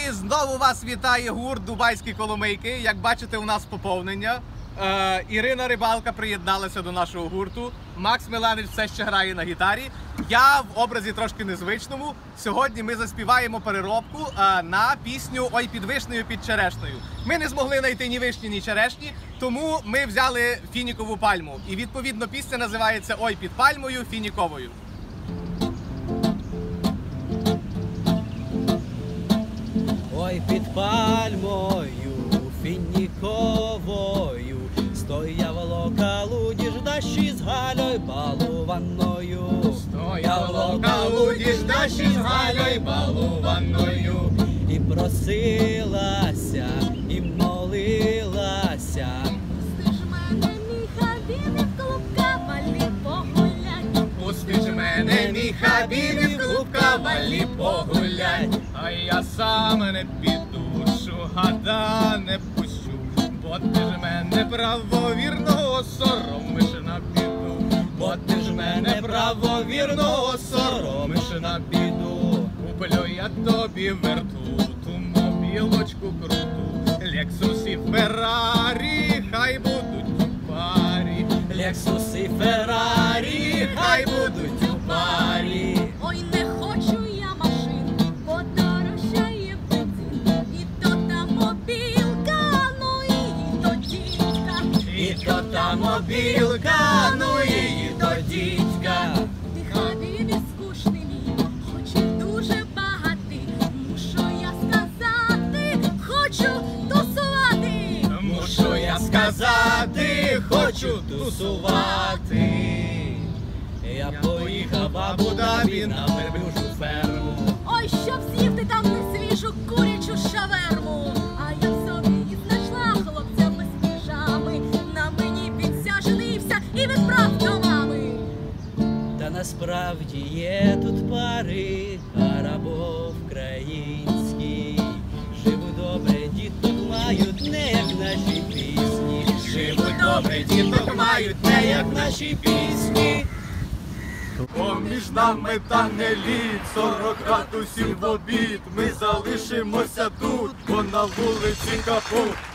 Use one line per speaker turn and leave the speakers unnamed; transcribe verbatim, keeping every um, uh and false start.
І знову вас вітає гурт Дубайські Коломийки. Як бачите, у нас поповнення. Е, Ірина Рибалка приєдналася до нашого гурту. Макс Миланич все ще грає на гітарі. Я в образі трошки незвичному. Сьогодні ми заспіваємо переробку е, на пісню «Ой під вишнею, під черешнею». Ми не змогли знайти ні вишні, ні черешні, тому ми взяли фінікову пальму. І відповідно пісня називається «Ой під пальмою фініковою».
Ой, під пальмою фініковою стояло калуді ждащі з Галею балуваною.
Стояло калуді ждащі з Галею балуваною.
І просилася, і молилася.
Пусти ж мене, мій хабібі, в клуб кавалі погулять.
Пусти ж мене, мій хабібі, в клуб кавалі погулять. А я сам не піду, шугада не пущу, бо ти ж мене правовірного соромиш на біду. Бо ти ж мене правовірного соромиш на біду. Куплю я тобі вертуту, мобілочку круту, Лексус і Феррарі, хай будуть у парі.
Лексус і Феррарі,
хай будуть у парі.
Ой, не хочу я машин, подорожчає бензин. І то та мобілка, ну і то дідька.
І то та мобілка, ну і то дідька.
Ти хабібі скучний мій, хоч і дуже багатий. Мушу я сказати, хочу тусувати.
Мушу я сказати, хочу тусувати.
Я поїхав в Абу-Дабі на верблюжу ферму.
Ой, щоб з'їв ти там несвіжу курячу шаверму. А я собі і знайшла хлопця без піжами. На мені підсяженився і відправ до мами.
Та насправді є тут пари арабо-українські. Живуть добре, діток мають, не як наші пісні.
Живуть добре, діток мають, не як наші пісні. Поміж нами та не лід, сорок градусів в обід. Ми залишимося тут, бо на вулиці капут.